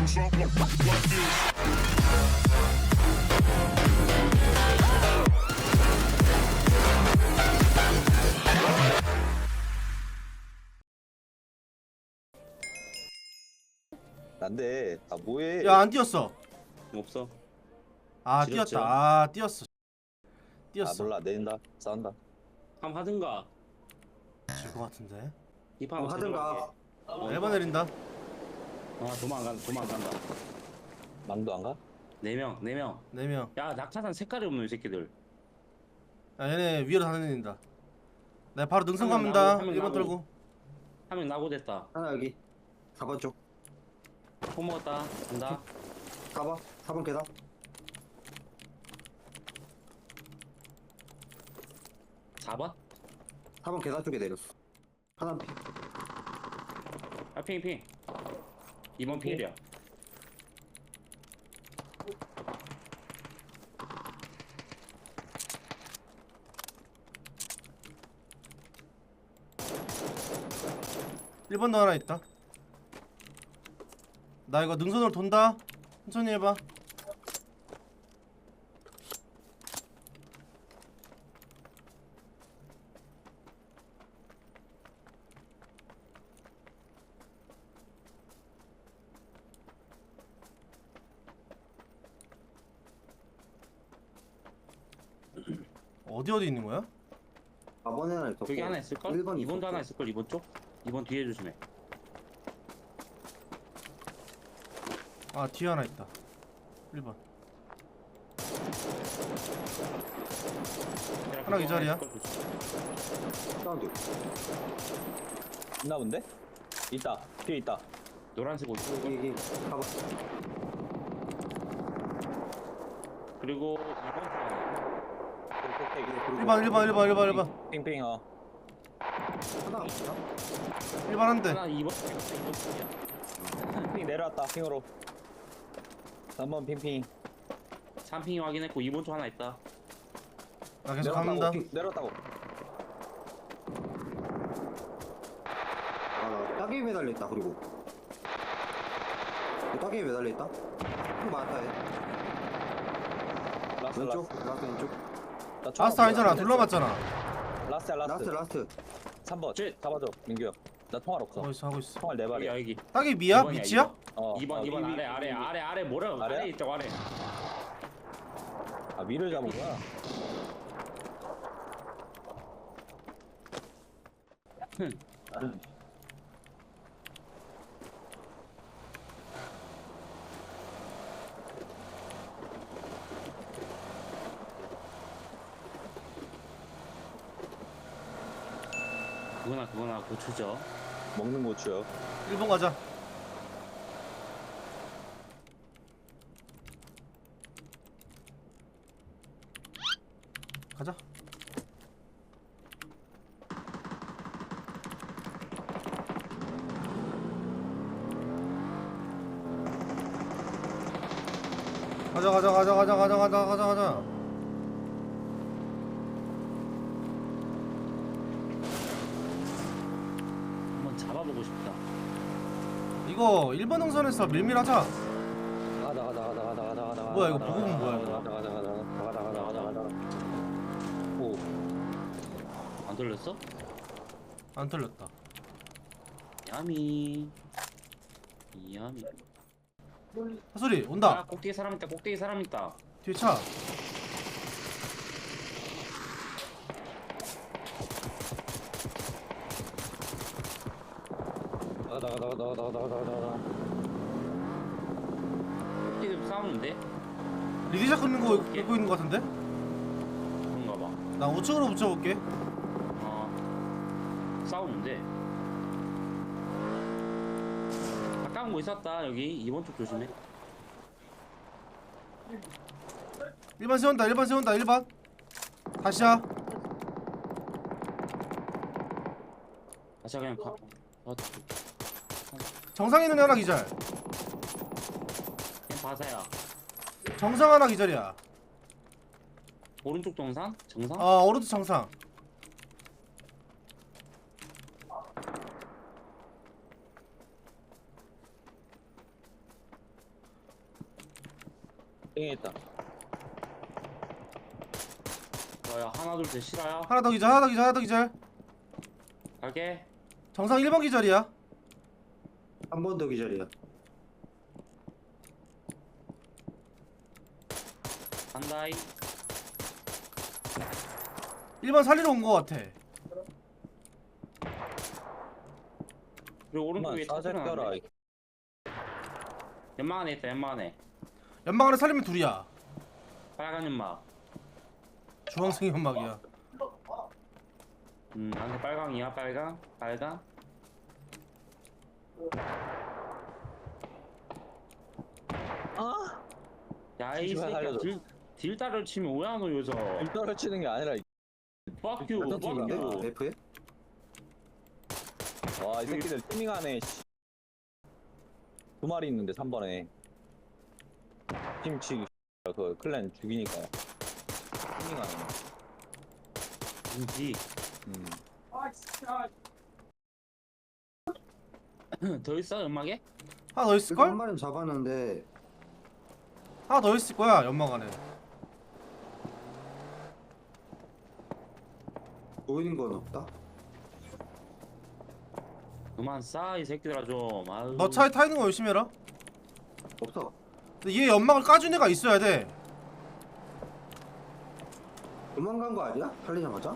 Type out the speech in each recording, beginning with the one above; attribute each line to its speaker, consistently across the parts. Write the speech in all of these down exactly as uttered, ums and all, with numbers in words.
Speaker 1: 안돼. 아 뭐해?
Speaker 2: 야 안 뛰었어.
Speaker 3: 없어.
Speaker 2: 아
Speaker 3: 지렸죠?
Speaker 2: 뛰었다. 아 뛰었어.
Speaker 1: 아
Speaker 2: 뛰었어.
Speaker 1: 몰라 내린다. 싸운다.
Speaker 3: 함 하든가.
Speaker 2: 질 것 같은데.
Speaker 3: 이판
Speaker 4: 어, 하든가.
Speaker 2: 일 번 내린다.
Speaker 3: 아 도망간 도망간다.
Speaker 1: 망도 안 가?
Speaker 3: 네 명, 네 명.
Speaker 2: 네 명.
Speaker 3: 야 낙하산 색깔이 없는 이 새끼들.
Speaker 2: 야 얘네 위로 다니는다. 나 바로 능선
Speaker 3: 한명
Speaker 2: 갑니다.
Speaker 3: 나고, 한명
Speaker 2: 일 번
Speaker 3: 나고.
Speaker 2: 떨고.
Speaker 3: 한 명 나고 됐다.
Speaker 4: 하나 여기 사 번 쪽
Speaker 3: 포 먹었다. 간다.
Speaker 4: 사 번 사 번 계단
Speaker 3: 사 번?
Speaker 4: 사 번 계단 쪽에 내렸어. 하나 피
Speaker 3: 아 핑, 핑. 이 번 필이야.
Speaker 2: 일 번도 하나 있다. 나 이거 능선으로 돈다. 천천히 해봐. 어디 어디 있는 거야?
Speaker 4: 사 번에 하나 있었고
Speaker 3: 저기 하나 있을걸?
Speaker 4: 일 번
Speaker 3: 이 번도
Speaker 4: 있었고.
Speaker 3: 하나 있을걸? 이 번 쪽? 이 번 뒤에 조심해.
Speaker 2: 아 뒤에 하나 있다. 일 번. 하나 이 자리야.
Speaker 4: 사운드
Speaker 1: 있나 본데? 있다. 뒤에 있다.
Speaker 3: 노란색 옷.
Speaker 4: 여기 여기 사 번
Speaker 3: 그리고 이 번
Speaker 2: 일 번 일 번 일 번 일 번 일 번.
Speaker 1: 핑핑 어.
Speaker 4: 하나 없나?
Speaker 2: 일 번 한 대.
Speaker 3: 하나 이 번 이 번
Speaker 1: 핑 내려왔다. 핑으로. 삼 번 핑핑.
Speaker 3: 삼 핑이 확인했고 이 번 쪽 하나 있다.
Speaker 2: 나 계속
Speaker 1: 내려왔다고.
Speaker 2: 갑니다.
Speaker 1: 핑 내려왔다고.
Speaker 4: 아나 따개비 매달려 있다. 그리고 따개비 매달려 있다. 형 많다 얘.
Speaker 1: 라스트
Speaker 4: 왼쪽
Speaker 1: 라스트.
Speaker 4: 라스트 왼쪽
Speaker 1: 나 총
Speaker 2: 라스트 아니잖아.
Speaker 1: 없어.
Speaker 2: 둘러봤잖아.
Speaker 1: 라스트야 라스트.
Speaker 4: 라스트 라스트
Speaker 1: 삼 번.
Speaker 3: 쟤-
Speaker 1: 잡아줘 민규 형. 나 통화 없어.
Speaker 2: 하고 있어 하고 있어.
Speaker 1: 통화 네 발이야.
Speaker 3: 여기 여기.
Speaker 2: 딱이 미야?
Speaker 3: 이 번이야,
Speaker 2: 미치야?
Speaker 3: 이 번.
Speaker 1: 어.
Speaker 3: 이 번
Speaker 1: 어,
Speaker 3: 이 번
Speaker 1: 위,
Speaker 3: 아래
Speaker 1: 위,
Speaker 3: 아래
Speaker 1: 위.
Speaker 3: 아래 아래 뭐라
Speaker 1: 아래야?
Speaker 3: 아래 있죠 아래.
Speaker 1: 아 위를 잡은 거야.
Speaker 3: 그거나 그거나 고추죠.
Speaker 1: 먹는 고추요.
Speaker 2: 일 번 가자. 가자. 가자 가자 가자 가자 가자 가자 가자 가자.
Speaker 3: 한번 잡아보고 싶다.
Speaker 2: 이거 일 번 능선에서 밀밀하자.
Speaker 1: 가다 가다 가다 가다 가다 가다.
Speaker 2: 뭐야, 이거 부부는 뭐야, 이거?
Speaker 1: 가다 가다 가다 가다 가다 가다 가다. 오.
Speaker 3: 안 돌렸어?
Speaker 2: 안 털렸다.
Speaker 3: 야미. 야미.
Speaker 2: 사소리
Speaker 3: 아
Speaker 2: 온다.
Speaker 3: 꼭대기 사람 있다. 꼭대기 사람 있다.
Speaker 2: 뒤에 차.
Speaker 1: 가다 가다 가다 가다 가다 가다 가다.
Speaker 3: 꼭대기 싸우는데?
Speaker 2: 리디샷 끊는 거 입고 있는 거 같은데?
Speaker 3: 그런가 봐.
Speaker 2: 나 우측으로 붙여볼게.
Speaker 3: 어. 싸우는데. 가까운 거 있었다. 여기 이번 쪽 조심해.
Speaker 2: 일 번 세운다 일 번 세운다 일 번. 다시야.
Speaker 3: 다시 그냥 가. 어,
Speaker 2: 정상 있는 애 하나 기절.
Speaker 3: 그냥 바사야.
Speaker 2: 정상 하나 기절이야.
Speaker 3: 오른쪽 정상? 정상?
Speaker 2: 어 오른쪽 정상.
Speaker 1: 땡에 있다.
Speaker 3: 너야 하나 둘 셋 실화야.
Speaker 2: 하나 더 기절 하나 더 기절 하나 더 기절.
Speaker 3: 갈게.
Speaker 2: 정상 일 번 기절이야.
Speaker 4: 한 번 더 기절이야.
Speaker 3: 간다이.
Speaker 2: 일 번 살리러 온 거 같아.
Speaker 3: 그리고 오른쪽에 차
Speaker 1: 사색
Speaker 3: 소리
Speaker 1: 껴라.
Speaker 3: 나는데. 연막 안에 있다 연막 안에.
Speaker 2: 연막 안에 살리면 둘이야.
Speaker 3: 빨간 연막.
Speaker 2: 주황색 연막이야.
Speaker 3: 음 안에 빨강이야 빨강 빨강.
Speaker 1: 아?
Speaker 3: 야이
Speaker 1: 씨발,
Speaker 3: 새끼야
Speaker 1: 살려줘.
Speaker 3: 딜 딜다를 치면 왜 안 오 여기서.
Speaker 1: 일단을 치는 게 아니라.
Speaker 3: Fuck you.
Speaker 4: 어떤 팀인데?
Speaker 3: Fuck you.
Speaker 4: F에?
Speaker 1: 와, 이 새끼들 티밍하네. 씨. 두 마리 있는데 삼 번에. 팀치 그 클랜 죽이니까. 티밍하네.
Speaker 3: 인지.
Speaker 1: 음.
Speaker 3: 더 있어 연막에?
Speaker 2: 하나 더
Speaker 4: 이거 한
Speaker 2: 있을걸?
Speaker 4: 마리는 잡았는데
Speaker 2: 하나 더 있을 거야 연막 안에.
Speaker 4: 보이는 건 없다.
Speaker 3: 그만 싸 이 새끼들아 좀. 아유.
Speaker 2: 너 차에 타 있는 거 열심히 해라.
Speaker 4: 없어.
Speaker 2: 근데 얘 연막을 까준 애가 있어야 돼.
Speaker 4: 도망간 거 아니야? 살리자마자?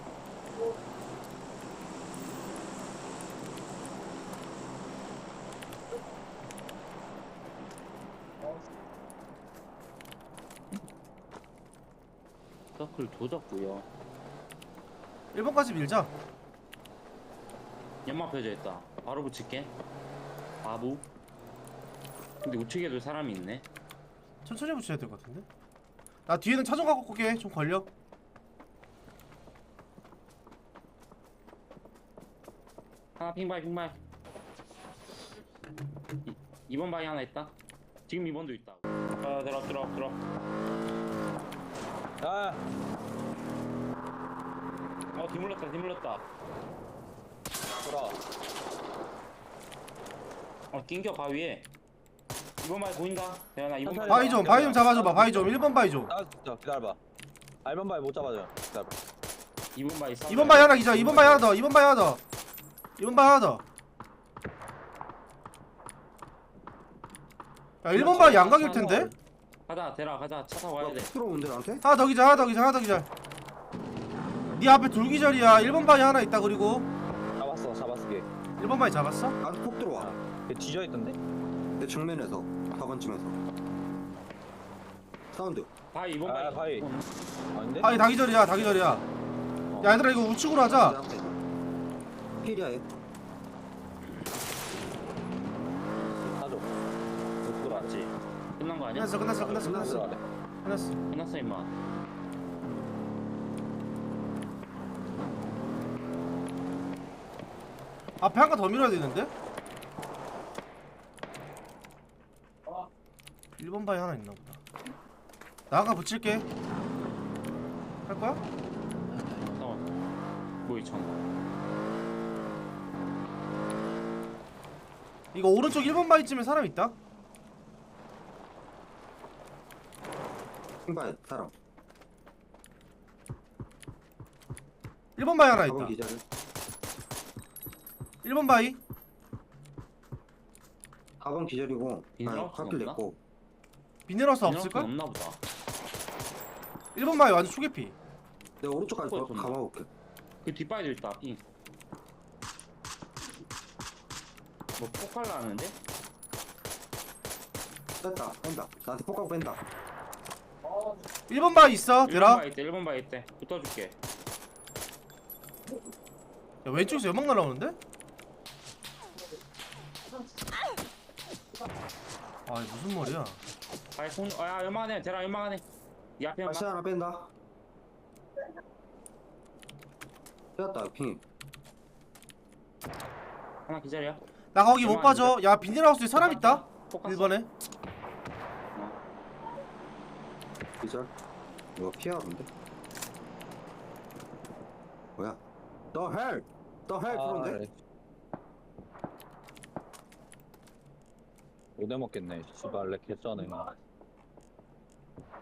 Speaker 3: 서클 도졌고요.
Speaker 2: 일 번까지 밀자.
Speaker 3: 연막 펴져 있다. 바로 붙일게. 바보. 근데 우측에도 사람이 있네.
Speaker 2: 천천히 붙여야 될 것 같은데. 나 뒤에는 차 좀 갖고 올게. 좀 걸려.
Speaker 3: 하나 핑바이 핑바이. 이, 이번 바위 하나 있다. 지금 이번도 있다. 아 들어 들어 들어.
Speaker 1: 아,
Speaker 3: 어 뒤물렸다 뒤물렸다.
Speaker 1: 돌아.
Speaker 3: 어 낑겨 바위에. 이번 바위 보인다. 대현아 이번 바위.
Speaker 2: 바위 좀 바위 좀 잡아줘봐. 바위 좀 일 번 바위 좀.
Speaker 1: 아, 진짜 기다려봐. 아, 일 번 바위 못 잡아줘. 기다려봐.
Speaker 3: 이번 바위 싸.
Speaker 2: 이 번 바위 하나 기절. 이 번 바위 하나 더. 이 번 바위 하나 더. 이 번 바위 하나 더. 야 일 번 바위 양각일 텐데.
Speaker 3: 가자 대라 가자 차 타고 와야 돼.
Speaker 4: 들어온대 나한테?
Speaker 2: 하나 더 기절. 하나 더 기절. 하나 더 기절. 네 앞에 둘 기절이야. 일 번 바위 하나 있다. 그리고
Speaker 1: 잡았어, 잡았어, 걔.
Speaker 2: 일 번 바위 잡았어?
Speaker 4: 나한테 폭 들어와.
Speaker 1: 걔 뒤져있던데?
Speaker 4: 내 정면에서 사 번쯤에서 사운드.
Speaker 3: 바위 이번
Speaker 1: 아,
Speaker 3: 바위.
Speaker 1: 바위. 아닌데?
Speaker 2: 바위 다 기절이야. 다 기절이야. 야 얘들아 이거 우측으로 하자.
Speaker 4: 필이야 얘.
Speaker 1: 사줘. 못
Speaker 3: 맞지. 끝난 거 아니야?
Speaker 2: 끝났어. 끝났어. 끝났어. 끝났어.
Speaker 1: 들어가래.
Speaker 2: 끝났어.
Speaker 3: 끝났어 임마.
Speaker 2: 앞에 한 칸 더 밀어야 되는데? 일 번 바위 하나 있나 보다. 나 아까 붙일게. 할 거야?
Speaker 3: 잠깐만. 뭐 이천.
Speaker 2: 이거 오른쪽 일 번 바위쯤에 사람 있다?
Speaker 4: 신발 사람.
Speaker 2: 일 번 바위 하나
Speaker 4: 사 번
Speaker 2: 있다.
Speaker 4: 기자를.
Speaker 2: 일 번 바위.
Speaker 4: 사 번 기절이고.
Speaker 3: 인사할
Speaker 4: 아니
Speaker 3: 수가
Speaker 4: 카필
Speaker 3: 없나?
Speaker 4: 냈고.
Speaker 2: 비닐하우스
Speaker 3: 없을
Speaker 2: 없을걸?
Speaker 3: 없나 보다.
Speaker 2: 일 번 바위 완전 초계피.
Speaker 4: 내가 오른쪽까지
Speaker 3: 그거 좀-
Speaker 4: 가봐볼게.
Speaker 3: 그 뒷바위도 있다. 핑. 뭐 폭발 나는데?
Speaker 4: 뺐다 뺀다. 나한테 폭 가고 뺀다.
Speaker 2: 일 번 바위 있어.
Speaker 3: 일 번
Speaker 2: 대라.
Speaker 3: 바위 있대. 일 번 바위 있대. 붙어줄게.
Speaker 2: 야 왼쪽에서 연막 날라오는데? 아 이게 무슨 말이야?
Speaker 3: 바위 손. 아야 연막하네. 대라 연막하네. 이 앞에 연막.
Speaker 4: 다시 하나 뺀다. 빼었다 핑.
Speaker 3: 하나 기절이야.
Speaker 2: 나 거기 못
Speaker 3: 연막
Speaker 2: 빠져. 야 비닐하우스에 사람 있다.
Speaker 3: 폭
Speaker 2: 일 번에.
Speaker 4: 기절. 이거 피하는데? 뭐야? 더 헬! 더 헬! 프로인데?
Speaker 1: 오대 먹겠네. 씨발, 렉 개쩌네.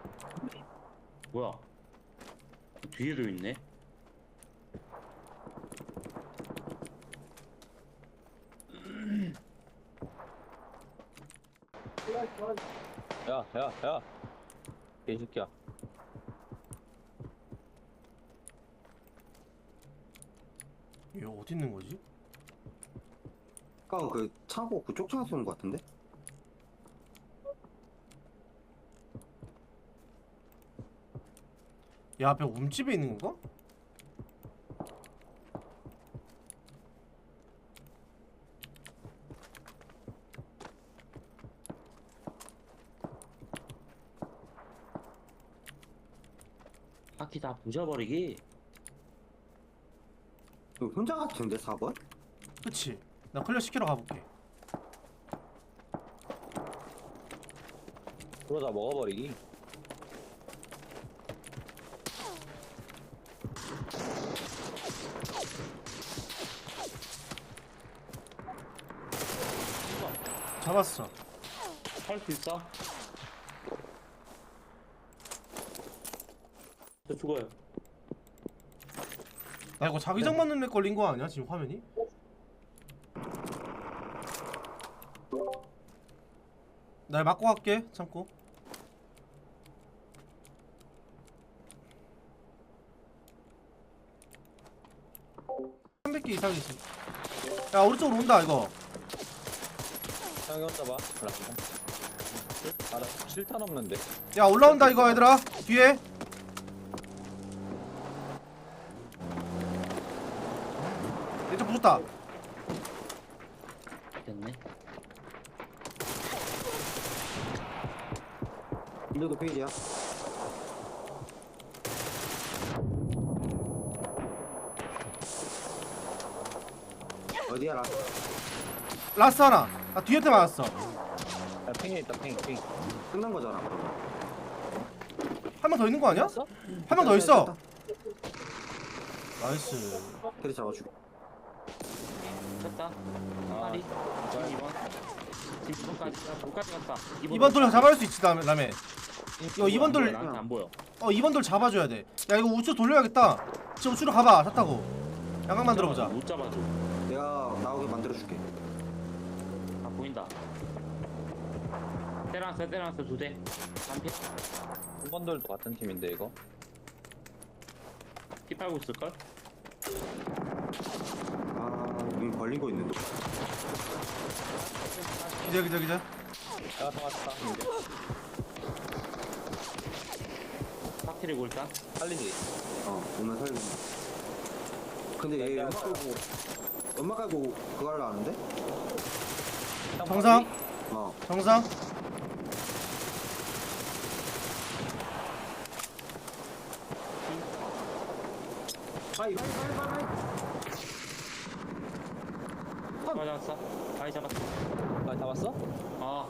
Speaker 3: 뭐야? 뒤에도 있네.
Speaker 1: 야, 야, 야. 개새끼야.
Speaker 2: 얘 어디 있는 거지?
Speaker 4: 아까 그 창고 그쪽 창에서 쏘는 것 같은데?
Speaker 2: 얘 앞에 움집에 있는 건가?
Speaker 3: 바퀴 다 부셔버리기.
Speaker 4: 이거 혼자 같은데 사 번?
Speaker 2: 그치. 나 클리어 시키러 가볼게.
Speaker 1: 그러다 먹어버리기.
Speaker 2: 잡았어.
Speaker 3: 할 수 있어? 저 죽어요.
Speaker 2: 나 이거 자기장 맞는 애 걸린 거 아니야 지금 화면이? 날 맞고 갈게. 참고. 삼백 개 이상이지. 야 우리 쪽으로 온다 이거.
Speaker 1: 형이 혼자 봐. 알았어. 알았어. 실탄 없는데.
Speaker 2: 야 올라온다 이거 얘들아. 뒤에. 얘좀 붙었다.
Speaker 3: 됐네.
Speaker 4: 이래도 페이지야. 어디야 라?
Speaker 2: 라스 하나. 나 뒤에 맞았어.
Speaker 1: 야, 핑에 있다, 핑, 핑.
Speaker 4: 끝난 거잖아. 그러면.
Speaker 2: 한 명 더 있는 거 아니야?
Speaker 1: 했어?
Speaker 2: 한 명 더 있어. 나이스.
Speaker 4: 테리 잡아주고.
Speaker 3: 됐다. 한 마리. 지금 이 번. 지금 이 번까지. 이 번까지 갔다.
Speaker 2: 이번 돌 잡아줄 수 있지 다음에. 다음에. 이거 이번 돌.
Speaker 3: 나한테 안 보여.
Speaker 2: 어 이번 돌 잡아줘야 돼. 야 이거 우측 돌려야겠다. 지금 우측으로 가봐. 차 타고. 양각 만들어보자.
Speaker 3: 못 잡아줘.
Speaker 4: 내가 나오게 만들어줄게.
Speaker 3: 아 보인다. 때려놨어 때려놨어 두 대. 한피
Speaker 1: 한번들도 같은 팀인데 이거.
Speaker 3: 피 빨고 있을걸?
Speaker 4: 아, 눈 벌린 거 있는데.
Speaker 2: 기자 기자 기자.
Speaker 1: 야, 다 왔다. 이제.
Speaker 3: 파티를 골다.
Speaker 1: 살리지.
Speaker 4: 어, 오늘 살리. 근데 얘
Speaker 1: 야, 야,
Speaker 4: 연막 깔고 연막 깔고 그거 하려 하는데?
Speaker 1: 형
Speaker 2: 정상.
Speaker 4: 어.
Speaker 2: 정상.
Speaker 4: 하이 하이 하이 하이.
Speaker 3: 맞았어. 아이 잡았어.
Speaker 1: 아, 잡았어?
Speaker 3: 아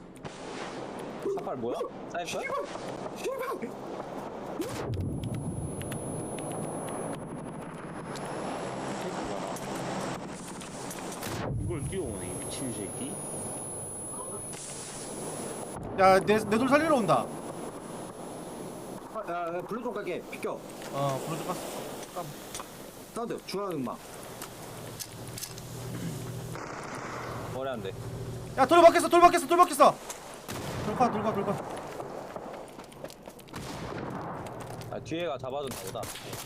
Speaker 1: 사팔 뭐야? 사이퍼야?
Speaker 3: 이걸 뛰어오네 이 미친 새끼.
Speaker 2: 야내 내 돌 살리러 온다.
Speaker 4: 아, 야, 야, 블루 좀 갈게. 비켜.
Speaker 2: 어 부르지 마.
Speaker 4: 사운드 중앙 음악.
Speaker 1: 머리 안 돼.
Speaker 2: 야 돌 박혔어 돌 박혔어 돌 박혔어. 돌파 돌파 돌파.
Speaker 1: 아, 뒤에가 잡아준다 보다.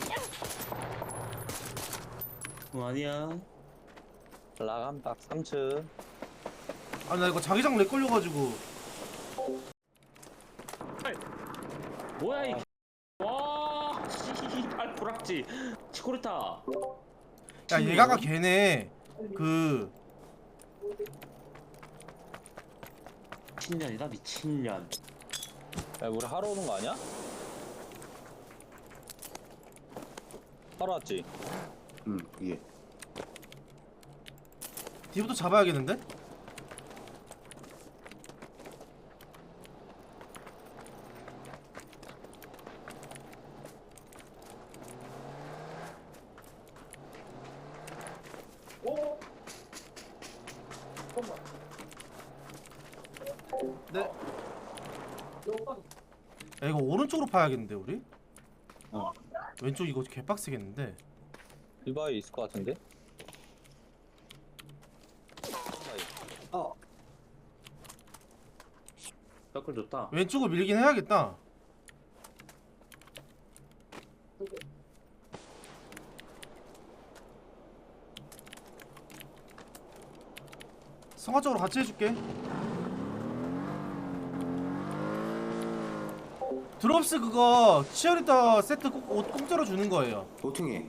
Speaker 3: 어, 아니야.
Speaker 1: 라감딱 삼 층.
Speaker 2: 아니 나 이거 자기장 렉 걸려가지고.
Speaker 3: 뭐야 이. 와 씨발 불악지. 치코르타.
Speaker 2: 야 얘가가 걔네 그
Speaker 3: 미친년이다 미친년.
Speaker 1: 야, 우리 하러 오는 거 아니야? 하러 왔지?
Speaker 4: 응, 이게.
Speaker 2: 뒤부터 잡아야겠는데? 네. 야 이거 오른쪽으로 파야겠는데 우리?
Speaker 1: 어.
Speaker 2: 왼쪽 이거 개빡세겠는데.
Speaker 1: 리바이 있을 것 같은데?
Speaker 4: 어.
Speaker 3: 서클 좋다.
Speaker 2: 왼쪽으로 밀긴 해야겠다. 성화 쪽으로 같이 해줄게. 드롭스 그거 치어리더 세트 꼭 옷 공짜로 주는 거예요.
Speaker 4: 도팅이.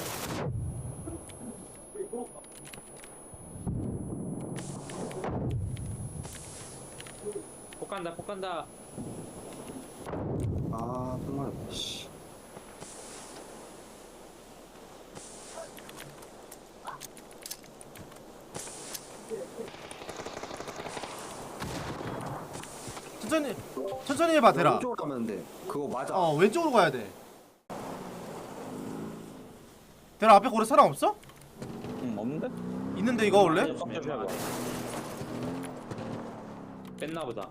Speaker 3: 폭 간다 폭 간다.
Speaker 4: 아, 정말. 씨.
Speaker 2: 천천히 천천히 해봐 대라.
Speaker 4: 왼쪽으로 가면 돼. 그거 맞아.
Speaker 2: 어 왼쪽으로 가야 돼. 대라 앞에 고래 사람 없어?
Speaker 1: 응, 없는데?
Speaker 2: 있는데 이거 원래?
Speaker 3: 조심해봐. 뺐나 보다.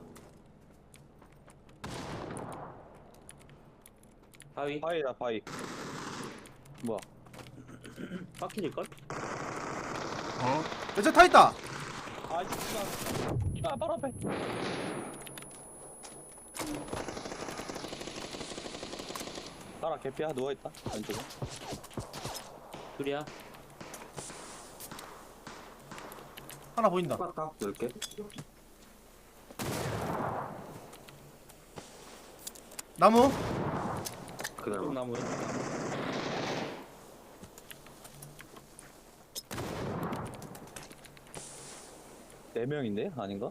Speaker 3: 바위
Speaker 1: 바이다, 바이. 뭐야?
Speaker 3: 빡킬걸?
Speaker 2: 어? 야쟤 타 있다.
Speaker 1: 아, 진짜. 아, 바로 앞에. 따라 개피야 누워있다. 왼쪽에.
Speaker 3: 둘이야.
Speaker 2: 하나 보인다.
Speaker 4: 딱 넓게.
Speaker 2: 나무.
Speaker 4: 그대로.
Speaker 3: 쪽 나무 왼쪽 나무.
Speaker 1: 네 명인데? 아닌가?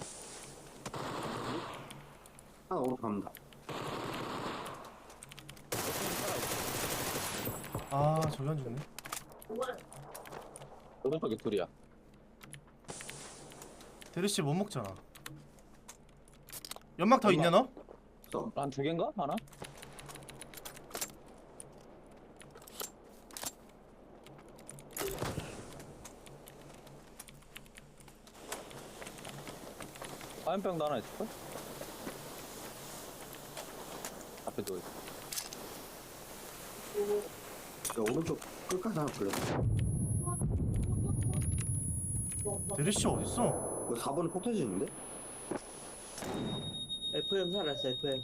Speaker 4: 하나 오로 갑니다.
Speaker 2: 아 저기 안 죽네.
Speaker 1: 오른쪽에 둘이야.
Speaker 2: 대리씨 못 먹잖아. 연막 더 있냐 너?
Speaker 4: 써.
Speaker 1: 한 두 개인가? 하나? 화염병도 하나 있을걸? 앞에 누워있어.
Speaker 4: 야, 오른쪽 끝까지 하나 불러.
Speaker 2: 대리씨 어딨어?
Speaker 4: 이거 사 번에 폭 터지는데?
Speaker 3: 에프엠 살았어 에프엠.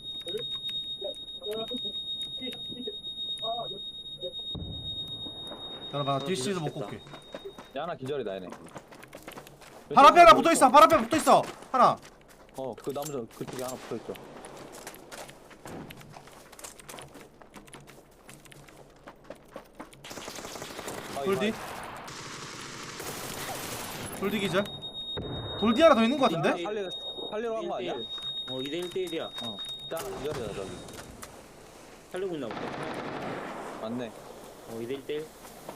Speaker 2: 나봐 뒤씨도 먹고 올게.
Speaker 1: 야, 하나 기절이다 얘네.
Speaker 2: 발 앞에 하나 붙어있어. 발 앞에 붙어있어. 하나.
Speaker 1: 어, 그 나무 저 그쪽에 하나 붙어있죠. 아,
Speaker 2: 돌디. 돌디 기절. 돌디 하나 더 있는 거 같은데?
Speaker 1: 살리, 살리러 간 거 아니야?
Speaker 3: 어 이 대 일 대 일이야.
Speaker 1: 어. 짜 기절이다 저기.
Speaker 3: 살리고 있나 보다.
Speaker 1: 맞네.
Speaker 3: 어 이 대 일 대 일.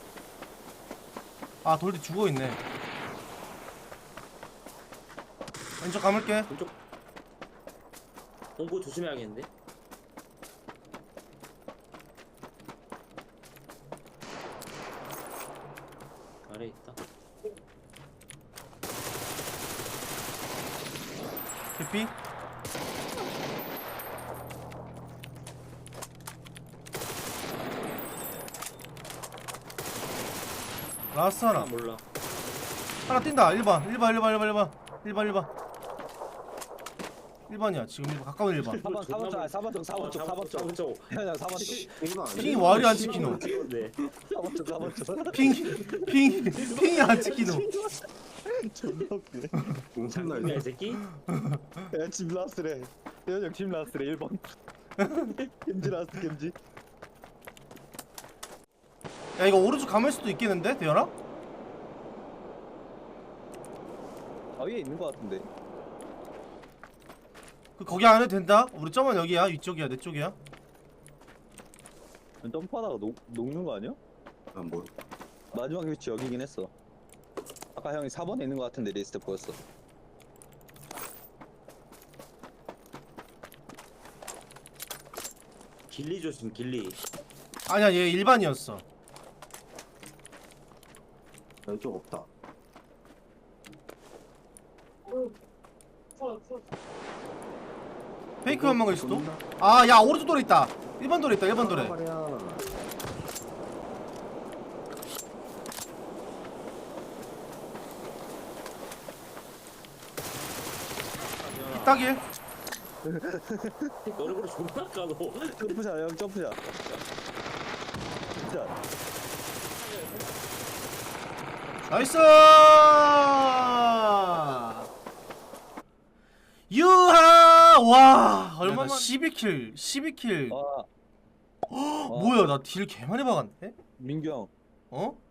Speaker 2: 아 돌디 죽어있네. 왼쪽 감을게.
Speaker 3: 왼쪽. 공고 조심해야겠는데. 아래 있다.
Speaker 2: 개피. 라스트 하나.
Speaker 3: 아 몰라.
Speaker 2: 하나 뛴다. 일 번. 일 번 일 번 일 번 일 번 일 번 일 번 일 번이야 지금 일 번 가까운 일 번.
Speaker 1: 사 번, 사 번 쪽, 사 번 쪽, 사 번 쪽, 사 번 쪽.
Speaker 3: 쪽.
Speaker 1: 그냥 사 번 쪽.
Speaker 4: 일반
Speaker 2: 핑이 와리 안 찍히노.
Speaker 3: 네.
Speaker 1: 사 번 쪽, 사 번 쪽.
Speaker 2: 핑, 핑, 핑이 안 찍히노.
Speaker 1: 존나 웃기네.
Speaker 4: 엄청나
Speaker 3: 야, 이
Speaker 4: 이거.
Speaker 3: 새끼.
Speaker 1: 야, 짐 라스트래. 대현이 형짐 라스트래, 일 번. 김지 라스트, 김지.
Speaker 2: 야 이거 오른쪽 감을 수도 있겠는데 대현아?
Speaker 1: 아, 위에 있는 거 같은데.
Speaker 2: 그 거기 안 해도 된다. 우리 점은 여기야. 위쪽이야. 내 쪽이야.
Speaker 1: 점프하다가 녹, 녹는 거 아니야?
Speaker 4: 아, 뭐.
Speaker 1: 마지막 위치 여기긴 했어. 아까 형이 사 번에 있는 거 같은데 리스트 보였어.
Speaker 3: 길리 조심 길리.
Speaker 2: 아니야 얘 일반이었어.
Speaker 4: 왼쪽 없다.
Speaker 2: 페이크 연막일 수도? 아, 야, 오른쪽 돌에 있다. 일 번 돌에 있다, 일 번 돌에.
Speaker 4: 말이야.
Speaker 2: 딱일.
Speaker 5: 너를 그래 존나 까너.
Speaker 1: 점프샷 형 점프샷. 자,
Speaker 2: 나이스! 유하! 와, 얼마나 십이 킬, 십이 킬.
Speaker 1: 와
Speaker 2: 뭐야, 나 딜 개 많이 박았네?
Speaker 1: 민규 형
Speaker 2: 어?